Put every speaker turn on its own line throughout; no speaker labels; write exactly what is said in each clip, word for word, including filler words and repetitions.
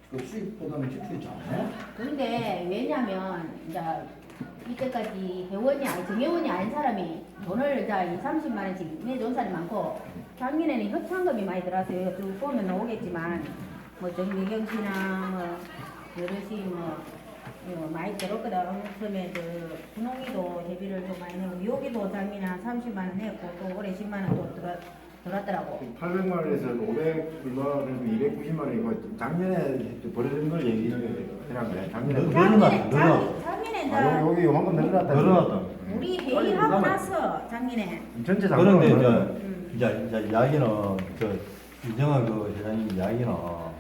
그 수입보다는 지출이 작네.
그런데 왜냐면 이제 이때까지 회원이 아니 정회원이 아닌 사람이 돈을 이제 이 삼십만 원씩 내준 사람이 많고 작년에는 협찬금이 많이 들어왔어요. 쭉 보면 나오겠지만 뭐 정미경 씨나 뭐 여럿이 뭐 어, 많이 들었거든. 처음에 그 분홍이도 대비를 좀 많이 내고 여기도 작년에 한 삼십만 원 했고 또 올해 십만 원 또 들어 들어왔더라고.
팔백만 원에서 오백 얼마에서 이백구십만 원이고 작년에 벌어진 걸 얘기하는 거야. 작년에
너-
작년에
늘어났다, 늘어났다.
작- 작년에 이제
아, 여기 여기 황금 늘어났다.
늘어났다.
우리 회의하고 나서 작년에
전체 작년.
그런데 이제
음.
이제 이제 이야기는 저 윤정아 그 회장님 이야기는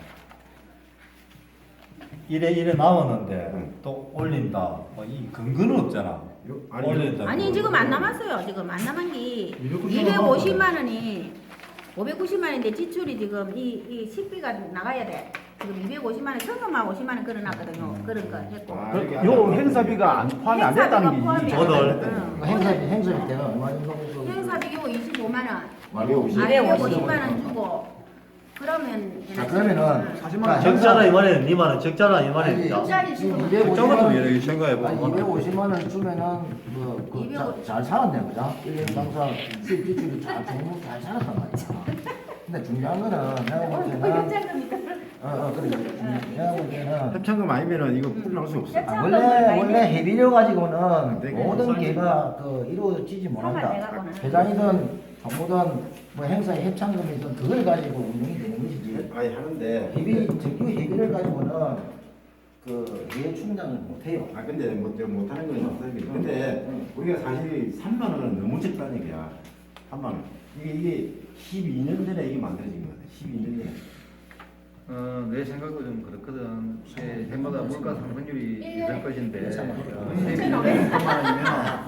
이래 이래 나왔는데
응.
또 올린다. 뭐 이 근거는 없잖아.
아니,
올린다.
아니 지금 안 남았어요. 지금 안 남은 게
이백구십만
이백오십만 원이 오백구십만 원인데 지출이 지금 이, 이 식비가 나가야 돼. 지금 이백오십만 원, 현금만 오십만 원 걸어놨거든요. 그런 거 했고.
아,
그,
이게
요
아니라-
행사비가 안 포함이 안 됐다는 게
포함이
이
안
저들.
돼. 응.
행사비 행사비 때는 얼마 정도? 그-
행사비 이거 이십오만 원,
이백오십.
이백오십만 원 주고 그러면
자 그러면은
사십만 원.
적잖아 이만해. 니만은 적잖아 이만해.
아니,
적자리
지금
지금
이백오십만 원
이렇게 생각해봐.
이백오십만 원 주면은 그잘 살았네 그죠? 일 년 당사 수입 지출이 잘 정말 잘 살았단 말이야. 근데 중요한 거는 내가 볼 때는
현장금이
어어 그래 내가 볼 때는
협찬금 아니면은 이거 풀어할 수 없어.
아, 원래 원래 해비료 가지고는
되게
모든
싸지.
게가 그 이루어지지 못한다.
상관돼갖고는.
회장이든 정부든 뭐 행사에 협찬금이든 그걸 가지고 운영이 되는 것이지.
아니 하는데.
해비 정규 해비를 가지고는 그 회의 충당을 못해요.
아 근데 뭐 내가 못하는 건 없어요. 근데
응.
우리가 사실 삼만 원은 너무 적다는 얘기야. 삼만 원. 이게 이게 십이 년 전에 이게 만들어진 거야. 십이 년 전에.
어, 내 생각도 좀 그렇거든. 이게 해마다 물가 상승률이
일
있을
년에
것인데
일천만
어,
원.
세비만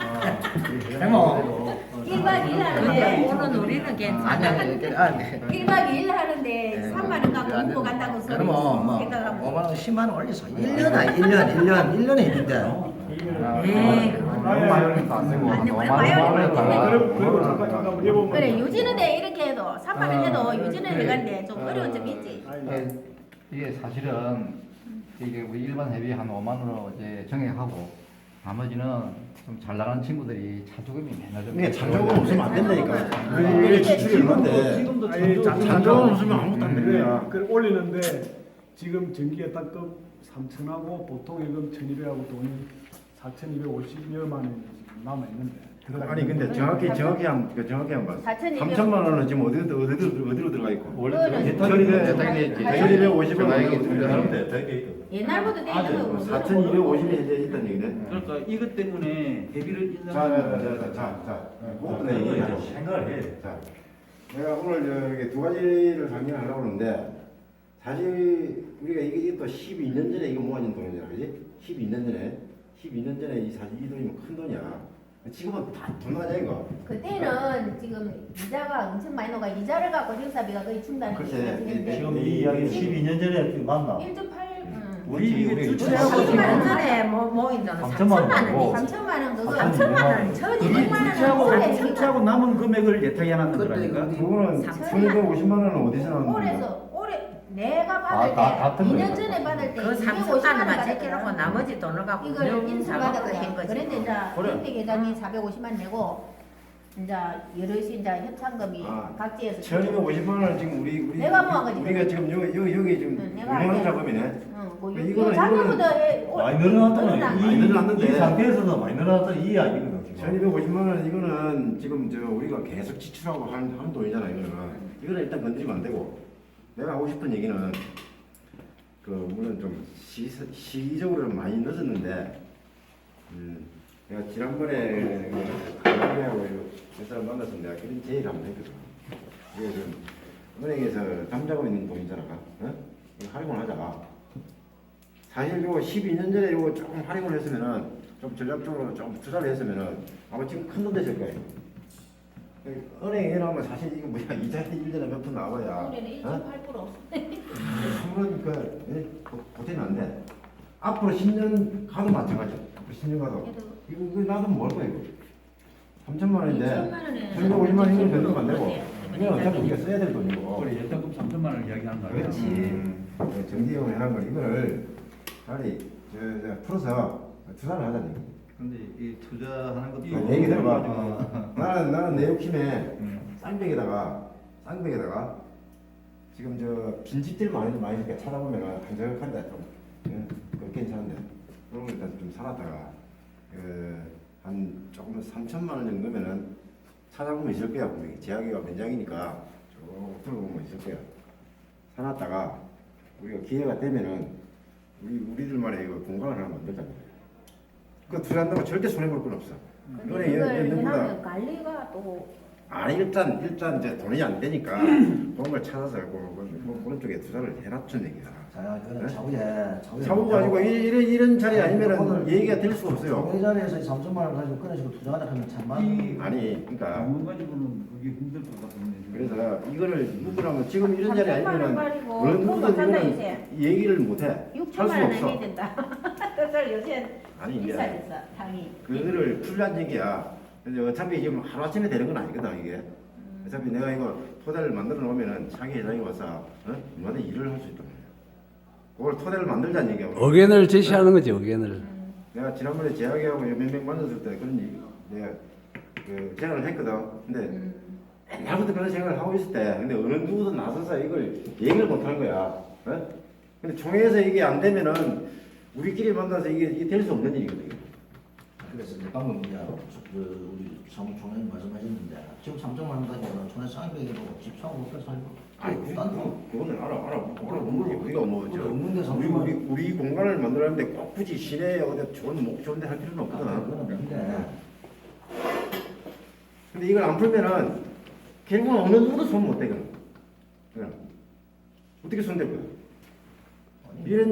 해모.
일박 이일
근데
하는데
오늘 우리는 괜찮아.
아니야 이렇게 아 네.
일박 이일 하는데 삼만 원 갖고 먹고 간다고 소리
그러면 뭐
생각하고
오만 원, 십만 원 올려서 일 년 아 일 년, 일 년, 일 년에 해빈데.
에이,
너무 많이 올리면 안 되고
아니,
너무
그래,
많이
많이
올리면
올리면
안
돼.
되고.
그리고 잠깐 잠깐 물어보면
그래 유지는데 이렇게 해도 삼만 원 해도
아,
유지는
그래.
해가는데 좀 어려운 점이 있지.
아니,
이게 사실은 이게 우리 일반 회비 한 오만 원으로 이제 정액하고 나머지는 좀 잘 나가는 친구들이 차조금이 맨날 좀
이게 잔조금 없으면 안 된다니까.
아니,
이게 지출이 얼마인데.
지금도
아니, 잔-
잔조금 없으면 아무것도 안 되는
그래,
거야.
그 올리는데 지금 전기에 딱급 삼천하고 보통 예금 천이백하고 돈이 사천이백오십여만 원이 지금 남아 있는데.
아니 근데 정확히 정확히 한 그 정확히 한 봐.
사천이백
삼천만 원은 지금 어디 어디 어디로 어디로 들어가 있고.
원래
그거는
대탁이
대탁이
대탁이
천이백오십 원
대탁이
정도
대탁이 대탁이
옛날부터 돼 있는 거고
사천이백오십이 현재 있다는 얘기네.
그러니까 이것 때문에 대비를
자, 자,
인정하는
자, 자, 자,
뭐
네,
이거
얘기하자.
이제 생각을 해.
자, 내가 오늘 저기 두 가지를 강연하려고 하는데 사실 우리가 이게 이게 또 십이 년 전에 이거 모아진 돈이잖아, 그지? 십이 년 전에 십이 년 전에 이 사실 이 돈이면 큰 돈이야. 지금은 다돈 나가냐 이거.
그때는 지금 이자가 엄청 많이 나가 이자를 갖고 행사비가 거의 충당이
그렇지.
되는데
지금 이 이야기 십이 년 전에 맞나?
일 점 팔 음.
우리 우리
주차하고
삼천만
십만 원
원
전에 뭐 모인 돈은
삼천만
삼천만
원이고.
원이지.
삼천만 원 그거
삼천만 원.
천이백만 원
출처하고 출처하고 남은 금액을 예탁해 놨는
그때
거라니까.
우리
그거는
삼천만
천이백오십만 원은 어디서 나오는 거야?
올해서 올해 내가
아,
받을
다-
때
같은
이 년
거예요.
전에 받을 때
그 삼천만
이백오십만 원
원만 제껴놓고
받았거든.
나머지 돈을 갖고
이걸 인수
운영 작업을 한
받았거든.
거지.
그런데 이제
그래.
김태 계장이 사백오십만 내고 이제 여럿이 이제 협찬금이
아,
각지에서
천이백오십만 원 지금 우리 우리
내가 모은 거지.
우리가 지금 여기 여기 여기 지금
응, 내가
운영하는
알게.
작업이네.
응, 뭐
이거는-
이거 작년보다 해- 올-
많이 늘어났다는
늘어난
이,
거.
많이 늘어났는데.
이 상태에서도 많이 늘어났다는 이 이야기거든 지금.
천이백오십만 원 이거는 지금 저 우리가 계속 지출하고 한, 한 돈이잖아 이거는. 이거는 일단 건드리면 안 되고. 내가 하고 싶은 얘기는 그 물론 좀 시, 시기적으로는 많이 늦었는데 음, 내가 지난번에 한국하고 몇 사람 만나서 내가 그런 제의를 한번 했거든. 이게 좀 은행에서 잠자고 있는 돈이잖아. 어? 이거 활용을 하자. 사실 요거 십이 년 전에 요거 조금 활용을 했으면은 좀 전략적으로 좀 투자를 했으면은 아마 지금 큰 돈 됐을 거예요. 은행에 나오면 사실 이거 뭐야 이자 일 년에 몇 푼 나와야
올해는 일 점 팔 퍼센트
한번 그 보태면 안 돼. 앞으로 십 년 가도 마찬가지야. 앞으로 십 년 가도
그래도
이거 이거 나도 먹을 거야 이거. 삼천만 원인데
이천만 원에
천이백오십만 원 이거 건드리면 안 되고
그래.
이건 어차피 우리가 써야 될 돈이고.
우리 예탁금 삼천만 원을 이야기하는 거 아니야?
그렇지.
음.
저 정기적으로 해놓은 걸 이거를 차라리 저, 저 풀어서 투자를 하자는 얘기.
근데 이 투자하는 것도
아, 얘기 들어봐.
어.
나는 나는 내 욕심에
음.
쌍벽에다가 쌍벽에다가 지금 저 빈집들 많이 많이 이렇게 찾아보면은 한적한데 좀 예, 그거 괜찮은데 그런 거 일단 좀 살았다가 그한 조금 삼천만 원 정도면은 찾아보면 있을 거야. 분명히 제약이가 면장이니까 쭉 들어보면 있을 거야. 살았다가 우리가 기회가 되면은 우리 우리들만의 이거 공간을 하나 만들자. 그 투자한다고 절대 손해 볼 건 없어.
근데
이거는
이걸
연- 연구다.
해놓으면 관리가 또
아니 일단 일단 이제 돈이 안 되니까 그런 걸 찾아서 그, 그, 그, 그런 쪽에 투자를 해놨던 얘기야.
자, 그거는
네?
차후에 차후에
차고 가지고 이- 이런 이런 자리 아니면은
오늘
얘기가 될 수가 없어요.
이 자리에서 삼천만 원 가지고 그런 식으로 투자하다 하면 참만.
이
아니 그러니까
방문 가지고는 그게 힘들 것 같은데.
그래서 이거를 누구라면 지금 이런 자리
삼천만 원
아니면은
가지고
어느
그거
누구든
산다,
이거는
요새.
얘기를 못해. 할
육천만
수가
원
없어.
내야 된다. 그래서 요새
아니 이제
비싸졌어 당이.
그거를 풀란 얘기야. 근데 어차피 지금 하루 아침에 되는 건 아니거든 이게. 어차피 내가 이거 토대를 만들어 놓으면은 차기 회장이 와서 어? 얼마든 일을 할 수 있단 말이야. 그걸 토대를 만들자는 얘기야.
의견을 제시하는 거지, 의견을.
내가 지난번에 재학이하고 몇 명 만났을 때 그런 얘기, 내가 그 제안을 했거든. 근데
음.
옛날부터 그런 생각을 하고 있을 때, 근데 어느 누구도 나서서 이걸 얘기를 못 하는 거야. 어? 근데 총회에서 이게 안 되면은 우리끼리 만나서 이게, 이게 될 수 없는 일이거든.
그래서 이제 방금 이제 그 우리 사무총장님 말씀하셨는데 지금 삼천만 원 가지고는 촌에 쌍벽에도 집 사고 그렇게 살고.
아니, 그, 그, 그거는 알아, 알아, 알아보는 게 우리가 뭐, 저,
없는데
우리,
삼천만
우리, 우리 공간을 만들었는데 꼭 굳이 시내에 어디 좋은, 목 좋은 데 할 필요는 없거든.
그건 없는데.
근데 이걸 안 풀면은 결국은 어느 누구도 손 못 대거든. 그냥. 어떻게 손 댈 거야? 이런